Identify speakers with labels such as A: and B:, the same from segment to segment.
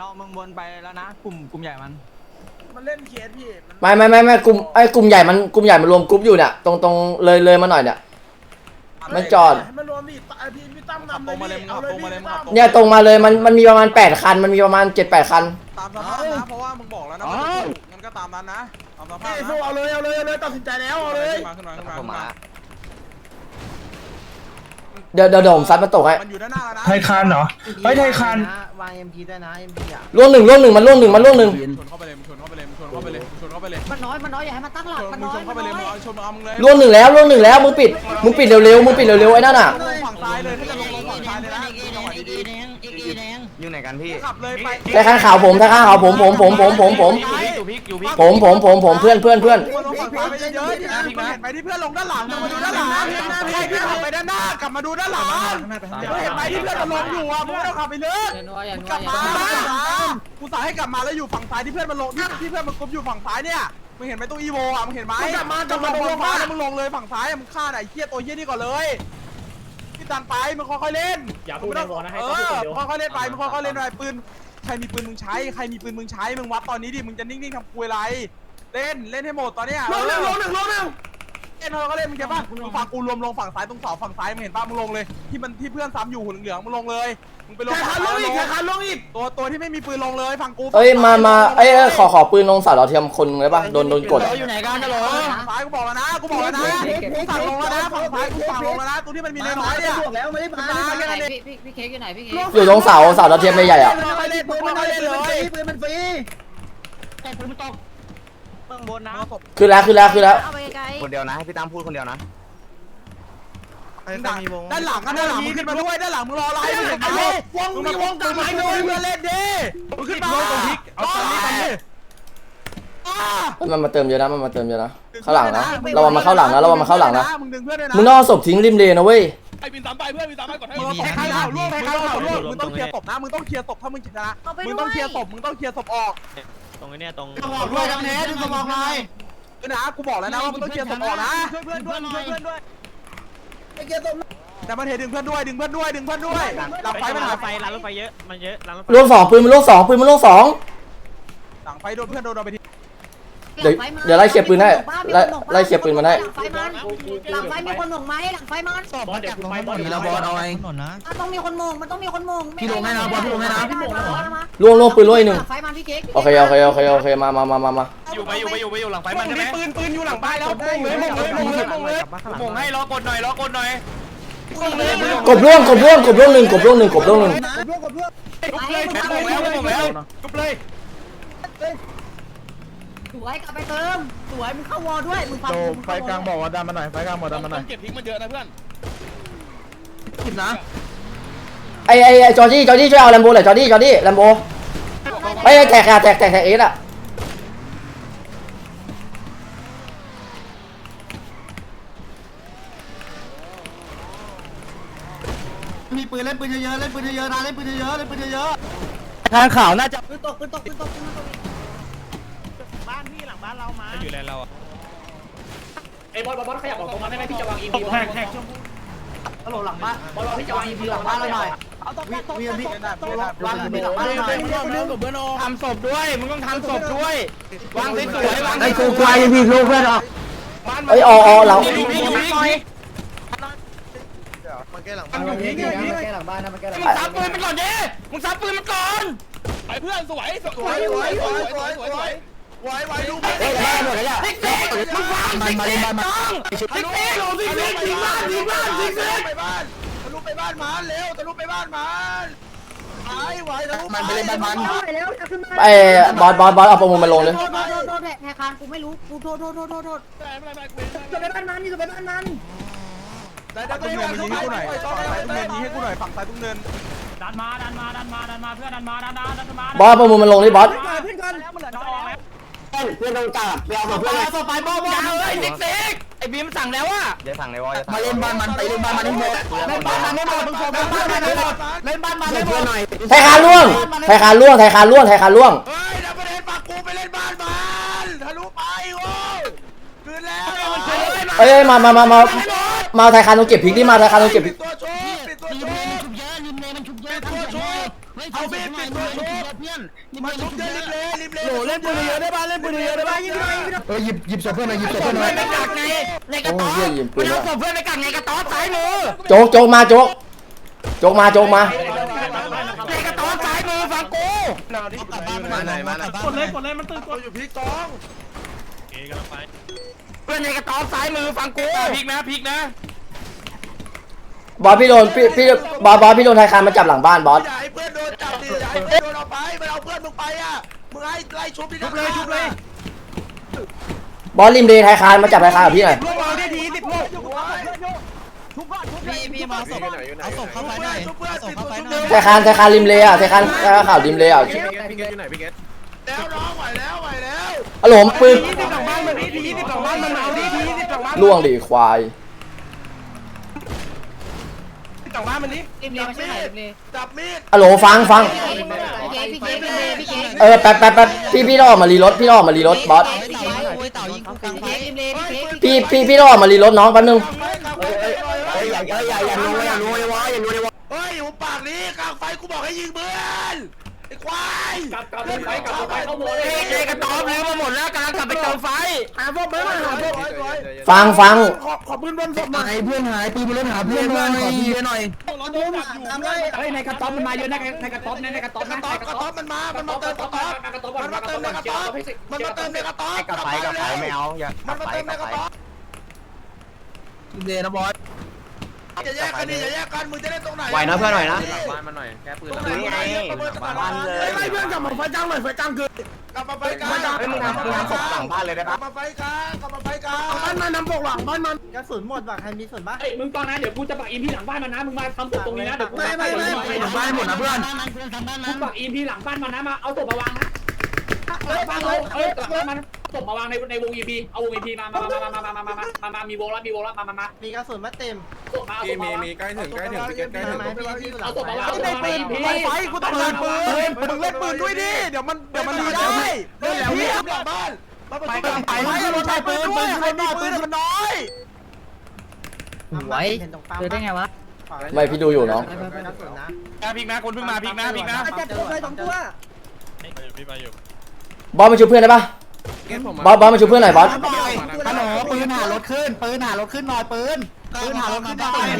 A: มึงวนไปแล้วนะกลุ่มใหญ่มัน
B: เล่นเคสพี่
C: ไม่กลุ่มใหญ่มันรวมกลุ่มอยู่เนี่ยตรงเลยมาหน่อยเนี่ยมันจอด
B: มันรวมดิพี่ตั้มนำเลยเอาเลยพี่
C: เนี่ยตรงมาเลยมันมีประมาณ8คันมันมีประมาณ7-8คัน
D: ตามสภาพนะเพราะว่ามึงบอกแล้วนะงั้นก็ตามนั้นนะตามสภาพนะ
B: เอาเลยตัดสินใจแล้วเอาเลย
D: ขึ้นมา
C: เดี๋ยวผมซัดมันตกให้
D: มันอยู่ด้านหน้าแล้วนะ
E: ไทยคานเหรอไทยคาน
A: วาง MP ได้นะ MP อ่ะ
C: ล่วงหนึ่งมันล่วงหนึ่ง
D: ชนเข้าไปเลยชนเข้าไปเลย
F: มันน้อยอย่าให้มันตั้งหลักมันน้อย
D: ชนเข้าไปเลยชนเอามึงเลย
C: ล่วงหนึ่งแล้วมึงปิดเร็วไอ้นั่นอ่ะ
D: ลงฝั่งซ้ายเลยถ้าจะลงฝั่งซ้ายเลยนะจังหวะดี
A: อยู่ไหนกันพี่
D: ขับเลยไป
C: ไทยคานขาวผมเพื่อน
D: มึงลงฝั่งซ้ายไปเยอะๆนะเห็นไปที่เพื่อนลงด้านหลังมาดูด้านหลังใครที่ขับไปด้านหน้ากลับมาดูด้านหลังเห็นไปที่เพื่อนมันลงอยู่อ่ะมึงไม่ต้องขับไปเลยกลับมากูสายให้กลับมาแล้วอยู่ฝั่งซ้ายที่เพื่อนมันลงที่เพื่อนมันกบอยู่ฝั่งซ้ายเนี่ยมึงเห็นไหมตู้อีโวอ่ะมึงเห็นไหมกลับมาลงซ้ายแล้วมึงลงเลยฝั่งซ้ายมึงฆ่าไอ้เหี้ยตัวเหี้ยนี่ก่อนเลยพี่ตันไปมึงค่อยๆเล่นอย่าพูดในวอลนะให้ค่อยๆเล่นไปมึงค่อยๆเล่นไปปืนใครมีปืนมึงใช้มึงวัดตอนนี้ดิมึงจะนิ่งๆทำคุยอะไรเล่นให้หมดตอนเนี้ยลงหนึ่งเล่นเขาก็เล่นมึงเห็นป่ะมึงฝั่งกูรวมลงฝั่งซ้ายตรงเสาฝั่งซ้ายมึงเห็นป่ะมึงลงเลยที่เพื่อนซ้ำอยู่หุ่นเหลืองมึงลงเลยมึงไปลงฝั่งซ้ายลงอีกตัวที่ไม่มีปืนลงเลยฝั่งกู
C: เอ้ยมาขอปืนลงเสาดาวเทียมคนเลยป่ะโดนกด
A: อยู่ไหนกันฮัลโหล
D: ฝั่งซ้ายกูบอกแล้วนะกูสั่งลงแล้วนะฝั่งซ้ายกูสั่งลงแล้วนะตัวที่มันมีน้อยเนี่ยแล้วไม่ได้มา
F: พี่เค้กอยู่ไหนพี่เค้ก
C: อยู่ตรงเสาดาวเทียมใหญ่ๆอ่ะ
D: ไม่เล่นปืนไม่เล่นเลย
A: ปืนมันฟรี
F: แต่ปืนมันตก
A: เบื้องบนนะ
C: คือแล้ว
F: เอาไปไกล
A: คนเดียวนะให้พี่ตั้มพูดคนเดียวนะ
D: ด้านหลังมึงขึ้นมาด้วยด้านหลังมึงรออะไรมึงเห็นไหมมึงมีวงกลางไหนเลยเพื่อนเล่นดิมึงขึ้นมาเอาตอนนี้
C: มันมาเติมเยอะนะข้างหลังนะระวังมาเข้าหลังนะ
D: มึงดึงเพื่อนด้วยนะ
C: มึงนอกศพทิ้งริมเลนนะเว้ย
G: ไอ้บินตามไปเพื่อนบินตามไปก่อนให้
D: มึงต้องแทงข่าวล่วงมึงต้องเคลียร์ศพนะมึงต้องเคลียร์ศพถ้ามึงชนะมึงต้องเคลียร์ศพออก
G: ตรงนี้ตรง
D: ด้วยทั้งนี้ดึงสมองหน่อยนะกูบอกแล้วนะว่ามึงต้องเคลียร์ศพออกนะช่วยเพื่อนด้วยแต่มันเห็นดึงเพื่อนด้วยหลังไฟมันหาไฟ
G: ร้านรถไฟเยอะมันเยอะร้านรถไฟ
C: ล่วงสองปืนมันล่วงสอง
D: หลังไฟโดนเพื่อนโดนไปที
C: เดี๋ยวไล่เคลียร์ปืนให้ไล่เคลียร์ปืนมันให้
F: หลังไฟมีคนหม่งไหมหลังไฟมัน
G: บอสเดี๋ยวกูไปบอส
A: มีแล้วบอลเอาไง
F: ต้องมีคนหม่งมันต้องมีคนหม่ง
A: พี่ลงให้นะบอลพี่ลงให้นะ
C: ล่วงปืนล่วงอีกหนึ่ง
F: หลังไฟมันพี่เค้ก
C: โอเคมา
G: อยู่ไปอยู่หลังไฟมันใช่ไหม
D: ปืนอยู่หลังไฟแล้วมงเลย
G: มงให้ล้อกดหน่อย
C: กบล่วงหนึ่ง
D: กบเลย
G: มงแล้วกบเลย
F: สวยกลับไปเติมสวยมึงเข้าวอลด้วยมึงฟัง
E: ไฟกลางบอกว่าดันมาหน่อยไฟกลางบอกดันมาหน่อย
G: เก็บทิ้งมันเยอะนะเพื่อน
A: ผิดนะ
C: ไอ้จอร์จี้ช่วยเอาแลมโบหน่อยจอร์จี้แลมโบไอ้แตกเอสอ่ะ
A: มีปืนเล่นปืนเยอะนะเล่นปืนเยอะทางข่าวน่าจะ
F: ปืนตก
A: บ้านพี่หลังบ้านเรามา
G: อยู่แล้วเรา
H: ไอ้บอลขยับออกตรงมาได้ไหมพี่จะวาง EP
A: แท็กฮัลโหลหลังบ้านบอลพี่จะวาง EP หลังบ้านเราหน่อยวีพี่วาง EP หลังบ้านเราหน่อย
G: ทำศพด้วยมึงต้องทำศพด้วยวางสวยๆวาง
A: ไอ้กูกวายพี่ลูกเพื่อนอ่ะ
C: ไอ้เรา
D: มันแก้หลัง
A: มันแก้หลังบ้านนะมันแก้หลัง
G: มึงซับปืนมันก่อนดิมึงซับปืนมันก่อนไปเพื่อนสวย
D: ไว้ดู
A: หมดแล้ว
G: ติ๊กมึงวางติ๊กติ๊กลงติ๊กยิงบ้าน
D: ไปบ้านทะลุไปบ้านมันเร็วทะลุไปบ้านมันไหวทะลุ
A: มันไปเล่นบ้านมัน
C: ไอ้บอสเอาประมูลมาลงเลย
F: โทษแทคานกูไม่รู้กูโทษจะไปบ้านมันนี่จะไปบ้านมัน
D: ได้ตุ้งเนินยิงให้กูหน่อยฝั่งซ้ายตุ้งเนิน
G: ดันมาเพื่อนดันมา
C: บอสประมูลมันลงนี่บอส
A: เพื่อนโดนจับไปเอาเพื่อนเลย
G: ไปบอลติ๊กไอ้บีมสั่งแล้วอ่ะ
A: อย่าสั่งเลยวะมาเล่นบ้านมันไปเล่นบ้านมันให้หมดเล่นบ้านมันให้หมดมึงโชว์บ้านมันให้หมดเล่นบ้านมันให้หมดหน่อย
C: ไทยคานล่วง
D: เฮ้ยเดี๋ยวประเด็นฝากกูไปเล่นบ้านมันทะลุไปโว้คืนแล้ว
C: เอ้ยมาไทยคานต้องเก็บพริกดิมาไทยคานต้องเก็บพริก
D: ตัวโชว์ปิดตัวโชว์
F: ริมเลมันชุบเยอะ
D: ปิดตัวโชว์
F: เฮ้ย
G: เอาเบสปิดตัวชุบมาชุบเยอะริมเล
D: โหเล่นปืนเยอะได้ป่ะเล่นปืนเยอะได้ป่ะยิง
E: หยิบศพเพื่อนหน่อยหยิบศพเพื่อนหน่อย
G: ไปกักในกระต๊อบมันเอาศพเพื่อนไปกักในกระต๊อบซ้ายมือ
C: โจกมาโจกมา
G: ในกระต๊อบซ้ายมือฟังกู
B: มาไหนมากดเลยมันตื่นตัวอยู่พี่กอง
G: เพื่อนในกระต๊อบซ้ายมือฟังกู
D: พลิกนะ
C: บอสพี่โดนบอสพี่โดนไทยคานมาจับหลังบ้านบอส
B: อย่าให้เพื่อนโดนจับดิอย่าให้เพื่อนโดนเอาไปมันเอาเพื่อนมึงไปอ่ะมึงให้ไล่ชุบดิชุบเลย
C: บอสริมเลไทยคานมาจับไทยคานกับพี่หน่อย
D: ลูกเอาได้ที10ลูก
A: พี่มาส่งเอาส่งเข้าไปหน่อยส่งเข้าไปหน่อย
C: ไทยคานริมเลอ่ะไทยคานข่าวริมเลอ่ะ
B: แล้วน้องไหวแล้ว
C: อารมณ์ปืน
D: 20หลังบ้านมันนี่ที20หลังบ้านมันเอาดิที20หลังบ้าน
C: ล่วงดิควาย
D: หลังบ้านมันนี่
F: ริมเลมาช่วยหน่อยริมเล
B: จับมีด
C: อโหลฟัง
F: พี่เก๋พี่เก๋
C: แป๊บพี่ต้องออกมารีรถบอส
F: พี่เก๋ริมเลพี่เก๋
C: พี่ต้องออกมารีรถน้องแป๊บนึง
G: อย่ารู้อย่ารู้ไอ้วะอย่ารู้ไอ้วะ
B: เฮ้ยหูปากนี้กลางไฟกูบอกให้ยิงเพื่อนไอ้ควาย
H: กลับไปเข้าโบเลย
G: ในกระต๊อบลื้อมาหมดแล้วกำลังกลับไปเติมไฟ
D: หาพวกเบิร์ดหาพวก
C: ฟัง
D: ขอปืนบนศพหน่อย
E: เพื่อนหายปืนบนรถหาเพื่อนหน่อยขอทีหน่อย
H: เฮ้ยในกระต๊อบมันมาเยอะนะในกระต๊อบในกระต๊อบ
B: กระต๊อบมันมาเติมกระต๊อบมันมาเติมในกระต๊อบมันมาเติมในกระต๊อบกับไฟไม่เอาอย่ามันมาเติมในกระต๊อบ
E: เดนะบอส
B: อย่าแยกกันดิอย่าแยกกันมึงจะได้ตรงไหน
A: ไหวนะเพื่อนไหวนะ
B: บ้านมันหน่อยแค่ปืน
A: นี่ไงบ้านเลย
D: ไล่เพื่อนกลับมาไฟจ้างหน่อยไฟจ้างคืน
B: กลับมาไฟกลาง
A: เฮ้ยมึงทำปืนหลังบ้านเลยได้
B: กลั
A: ปะ
B: บมาไฟกลางกลับมาไฟกลาง
D: บ้านมันนำปกหลังบ้านมัน
A: กระสุนหมดว่ะใครมีส่วนบ้าง
H: เฮ้ยมึงตอนนั้นเดี๋ยวกูจะปักอิมพีหลังบ้านมันนะมึงมาทำตรงนี้นะเดี๋ยวกูปัก
E: บ้านหมดนะเพื่อน
H: กูปักอิมพีหลังบ้านมันนะมาเอาศพมาวางนะบ้านเราหลังบ้านมันศพมาวางในวงอีพีเอาวงอีพีมามีวงแล้วมา
A: มีกระสุนมาเต็ม
H: ศพมาเอาศพมาวาง
B: ใกล้ถึงใกล้ถึง
A: ไม้พี่ที่อยู่หลั
H: เอา
A: ง
H: ศพมาวาง
D: ในปืนไฟกูต้องเล่นปืนมึงเล่นปืนด้วยดิเดี๋ยวมันดีได้เล่นแล้ว
B: พี่
D: พี่
B: กลับบ้าน
D: ไปกันไปมันใช้ปืนด้วยใครมีปืนมันน้อย
A: ไหวเจอได้ไงวะ
C: ไม่พี่ดูอยู่น้อง
A: กระสุนนะ
D: พลิกนะคนเพิ่งมาพลิกนะ
A: จับตัวเลย2ตัว
C: บอสมาช่วยเพื่อนได้ปะบอสมาช่วยเพื่อนหน่อยบอส
A: ฮัลโหลปืนหารถขึ้นหน่อยปืนหารถขึ้นหน่อย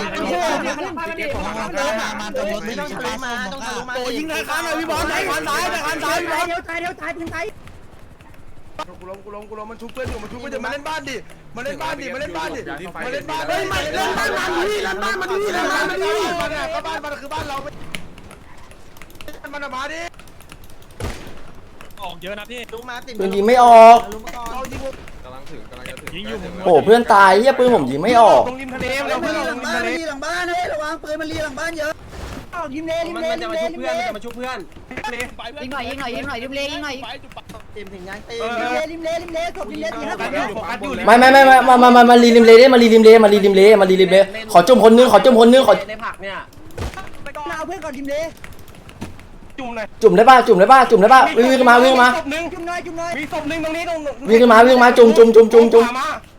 A: มาตรงรถไม่ต้องทะลุมาต้องทะลุมา
D: โอ้ยิงทางข้างเลยพี่บอลทางซ้ายทางซ้ายพี่บอล
F: เดี๋ยวตายถึงตาย
B: กูล้มมันชุบเพื่อนอยู่มันชุบเพื่อนมาเล่นบ้านดิมาเล่นบ้านเฮ้ยมาเล่นบ้าน
D: เล่นบ้านมันดีเล่นบ้านมันดีเล่นบ้านมันดี
B: มันอ่ะก็บ้านมันคือบ้านเรามันมาดิ
D: ออกเยอะนะพี่
A: ลุกมาติด
C: ปืนยิงไม่ออก
A: ลุกมาก่อน
B: เรายิง
D: ยิงอยู่
C: โอ้เพื่อนตายเฮียปืนผมยิงไม่ออก
D: ตรงริมทะเลเราเพื่อนลงริมทะเล
A: หลังบ้านเฮ้ยระวังปืนมันรีหลังบ้านเยอะริมเลมันจะมาชุบเพื่อนยิงหน่อยริมเลยิงหน่อยเต็มถึงยังเต็มริมเลศพริมเลตีห้า
C: ไม่มารีริมเลได้มารีริมเลขอจุ่มคนนึงขอ
A: ในผักเนี่ยเอาเพื่อนก่อนริมเล
D: จุ่มเลย
C: จุ่มได้ป่ะวิ่งมา
D: จุ่มหน่อย
G: มีศพนึงตรงนี้ตรง
C: วิ่งมาจุ่ม
A: เต็ม
G: จุ่มนี่จุ่ม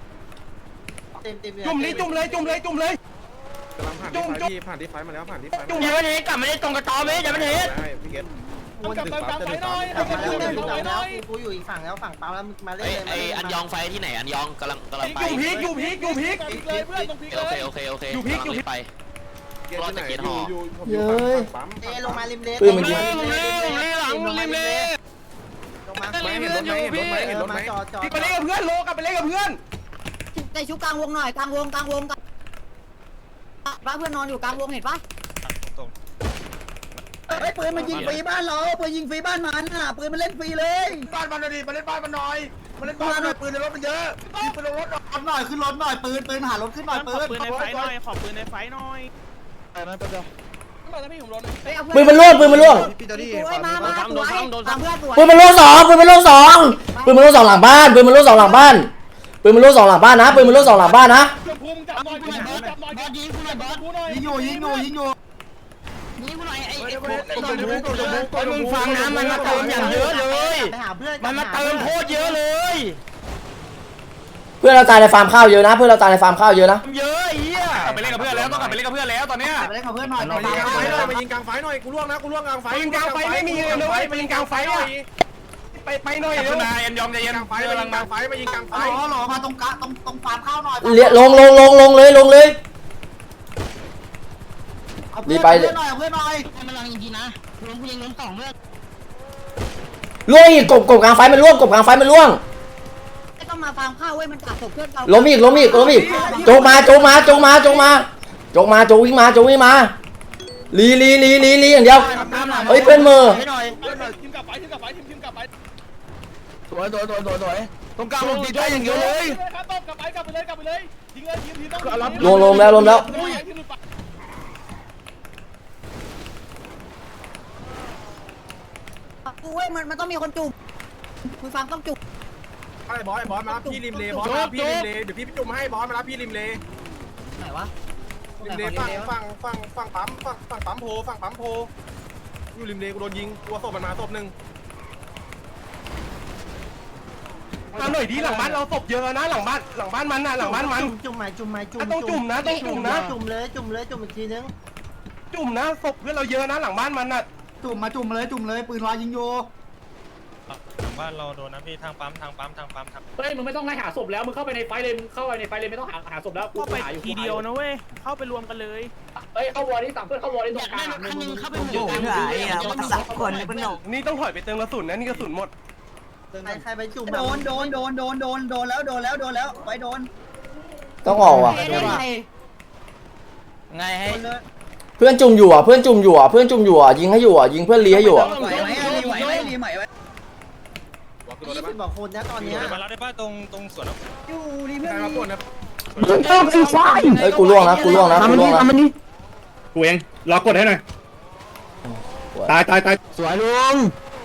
G: เลยจุ่มเลยจุ่มเลยจุ่มผ่านที่ไฟมาแล้วผ่านที่ไฟจุ่มอย่ามันเห็นกลับมาได้ตรงกระต๊อบไหมอย่ามันเห็น
A: กูอยู่อีกฝั่งแล้วฝั่งเปล่าแล้วมาเล่น
I: ไออันยองไฟที่ไหนอันยองกำลังไป
D: อยู่พีก
I: โอเคกำลังไปรอดจากเกียร์ห่อ
C: เย้ย
A: ลงมาริมเล
C: ปืนมันยิง
A: ลงมาจอด
D: พี่ไปเล่นกับเพื่อนโลกลับไปเล่นกับเพื่อน
F: ใจชุบกลางวงหน่อยกลางวงป้าเพื่อนนอนอยู่กลางวงเห็นปะ
A: ไอ้ปืนมันยิงฟรีบ้านเราปืนยิงฟรีบ้านมันน่ะปืนมันเล่นฟรีเลย
B: บ้านมันดิมาเล่นบ้านมันหน่อยมาเล่นบ้านหน่อยปืนในรถมันเยอะยิงปืนในรถหน่อย
A: ขึ้นรถหน่อยปืนหารถขึ้นหน่อยปืน
D: ปืนในไฟหน่อยขอปืนในไฟหน่อย
C: ปืนมันล่วง
F: สวยมาสวยตามเพื่อนสวย
C: ปืนมันล่วงสองหลังบ้านปืนมันล่วงสองหลังบ้านนะปืนมันล่วงสองหลังบ้านนะ
A: ยิงอยู่
G: นี่กูหน่อยไอ้มึงฟังนะมันมาเติมอย่างเยอะเลย
A: ไปหาเพื่อน
G: มันมาเติมโคตรเยอะเลย
C: เพื่อนเราตายในฟาร์มข้าวเยอะนะ
G: เยอะไอ้เหี้ยลับไปเล่นกับเพื่อนแล้วต้องกลับไปเล่นกับเพื่อนแล้วตอนเนี้ย
F: ไปเล่นกับเพื่อนหน่อย
G: มายิงกลางไฟหน่อยมายิงกลางไฟหน่อยกูล่วงนะกูล่วงกลางไฟยิงกลางไฟไม่มีเลยนะเว้ยมายิงกลางไฟหน่อยไปหน่อยเร็วนาเอ็นยอมใจเย็นกลางไฟมายิงกลางไฟมายิงกลางไฟ
F: หล่อมาตรงกะตรงฟาร์มข้าวหน่อย
C: เลี้ยลงเลยดีไป
F: เพื่อนหน่อยเพื่อนหน่อย
A: มันลังจริงๆนะล้มกูยิงล้ม2เพื่อน
C: ล่วงอีกกบกลางไฟมันล่วงกบกลางไฟมันล่วง
F: ไม่ต้องมาฟาร์มข้าวเว้ยมันกัดศพเพื่อนเรา
C: ล้มอีกโจกมาโจวิ่งมาลีอย่างเดียวเฮ้ยเพื่อนมือ
E: สวยตรงกลางลงตีได้อย่างเดียวเลย
C: ลมแล้ว
F: กูเว้ยมันต้องมีคนจุ่มมึงฟังต้องจุ่ม
G: ไอ้บอสมารับพี่ริมเลบอสมารับพี่ริมเลเดี๋ยวพี่จุ่มให้บอสมารับพี่ริมเล
F: ไหนวะ
G: ริมเลฝั่งปั๊มโพอยู่ริมเลกูโดนยิงตัวศพมันมาศพหนึ่งมาหน่อยดีหลังบ้านเราศพเยอะนะหลังบ้านมันน่ะหลังบ้านมัน
A: จุ่มไหมจุ่ม
G: ต้องจุ่มนะจุ่ม
A: จุ่มเลยจุ่มอีกทีนึง
G: จุ่มนะศพเพื่อนเราเยอะนะหลังบ้านมันน่ะ
F: จุ่มเลยปืนรอยิงโย
J: บ้านเราโดนนะพี่ทางปั๊ม
H: เฮ้ยมึงไม่ต้องไล่หาศพแล้วมึงเข้าไปในไฟเลยมึงเข้าไปในไฟเลยไม่ต้องหาศพแล้วกูหาอยู่ทีเดียวนะเว้ยเข้าไปรวมกันเลยเฮ้ยเข้าวอร์นี่สั่งเพื่อนเข้าวอร์นี่ตรงกลางนี่ต้องถอยไปเติมกระสุนนะนี่กระสุนหมด
A: ใครไปจุ่มโดนแล้วไปโดน
C: ต้องออกว่ะ
A: ไงให้
C: เพื่อนจุ่มอยู่อ่ะยิงให้อยู่อ่ะยิงเพื่อนลีให้อยู่อ่ะ
A: ไหวรีใหม่ไว้20 กว่าคนนะตอนนี้
J: มาแล้วได้ป่ะตรงสวน
A: อยู่รีเพื่อน
G: มาปวดนะ
C: เฮ้ยกูล่วงนะ
E: กูเองรอกดให้หน่อยตายสวยลุง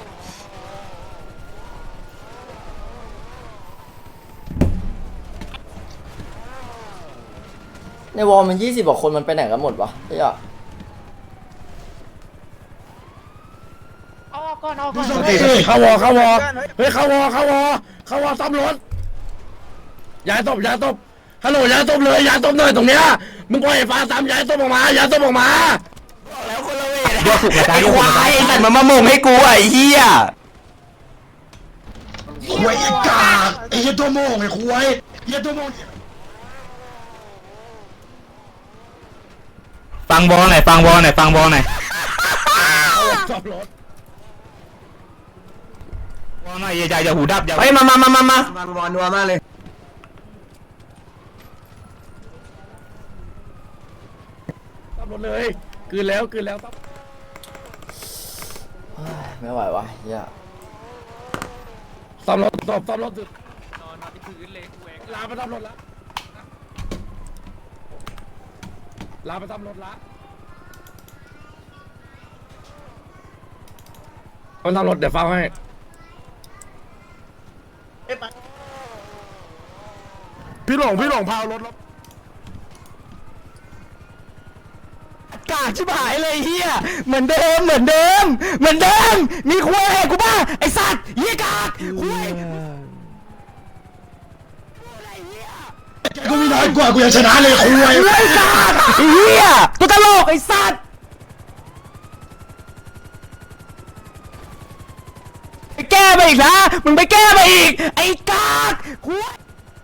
C: ในวอลมัน20 กว่าคนมันไปไหนกันหมดวะเฮ้ย
E: เข้าวอเฮ้ยเข้าวอซ่อมรถย้ายศพฮัลโหลย้ายศพเลยย้ายศพหน่อยตรงเนี้ยมึงปล่อยฟ้าซ้ำย้ายศพออกมาแล้วคนละเวทไอ้ควายไอ้สัตว์มันมาโมงให้กูไอ้เหี้ยควายกากไอ้เหี้ยตัวโมงไอ้ควายเหี้ยตัวโมงฟังบอลหน่อยซ่อมรถบอลหน่อยอย่าหูดับอย่าเฮ้ยมาบอลนัวมากเลยซ่อมรถเลยคืนแล้ว
C: ไม่ไหววะเหี้ย
E: ซ่อมรถนอนที่พื้นเลยลาไปซ่อมรถละมันซ่อมรถเดี๋ยวเฝ้าให้พี่หลงพารถกาชิบหายเลยเฮียเหมือนเดิมมีคุยกูบ้าไอสัตว์เฮียกากคุยกูมีน้อยกว่ากูยังชนะเลยคุยไอกากเฮียตัวตลกไอสัตว์ไปแก้ไปอีกนะมึงไปแก้ไปอีกไอ้กากคุย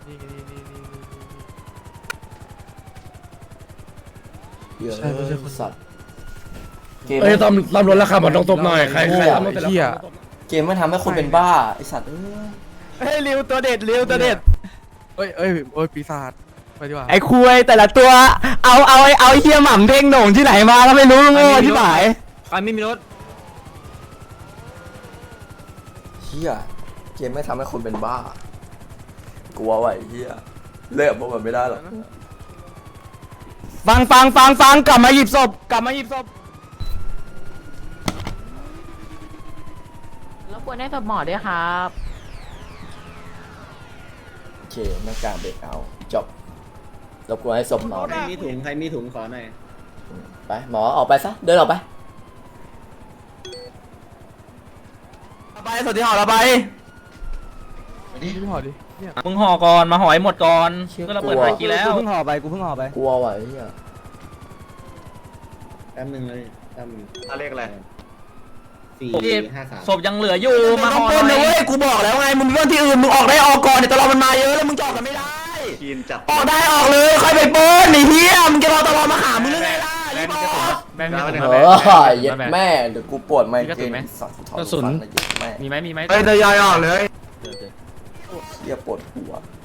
C: เยอะสัตว์เกม
E: เอ้ยตำรวจราคามันต้องตบหน่อยใครตำรวจแต่ละ
C: เกมไม่ทำให้คนเป็นบ้าไอสัตว์
D: เฮ้ยริวตัวเด็ดเอ้ยปีศาจไปดีกว่า
E: ไอ้คุยแต่ละตัวเอาเฮียหม่ำเด้งโหน่งที่ไหนมาก็ไม่รู้โง่ที่ไหน
D: ใครไม่มีรถ
C: เฮียเกมไม่ทำให้คนเป็นบ้ากลัวไว้เฮียเลิกพวกมันไม่ได้หรอก
E: ฟังกลับมาหยิบศพ
F: แล้วควรได้ศพหมอด้วยครับ
C: โอเคหน้ากากเบรกเอาจบรบกวนให้ศพนอน
A: ใครมีถุงขอหน่อย
C: ไปหมอออกไปซะเดินออกไป
E: สวัสดีหอเราไป
D: พี่หอดิมึงห่อก่อนมาห่อให้หมดก่อน
C: เชี่ย
D: ก็เราเปิดหากีแล้ว
A: กูเพิ่งห่อไปกลัวว่ะไอ้เหี้ย
B: แป๊บนึงเลยเลขอะไร
D: ศพยังเหลืออยู่มาห่อ
E: ปน
D: หน่
E: นะ
D: อย
E: เว้ยกูบอกแล้วไงมึงเรื่องที่อื่นมึงออกได้ออกก่อนเนี่ยตลอดมันมาเยอะแล้วมึงจะออกกันไม่ได้
B: กินจัด
E: ออกได้ออกเลยค่อยไปปนไอ้เหี้ยมึงจะรอตลอดมาหามึงหรือไงล่ะรีบออก
C: เย็ดแม่เดี๋ยวกูปวดไมเกรนสัตว์ถอดฟันนะเย็ดแม่
D: มีไหม
B: เฮ้ยทยอยออกเลย
C: เหี้ยปวดหัว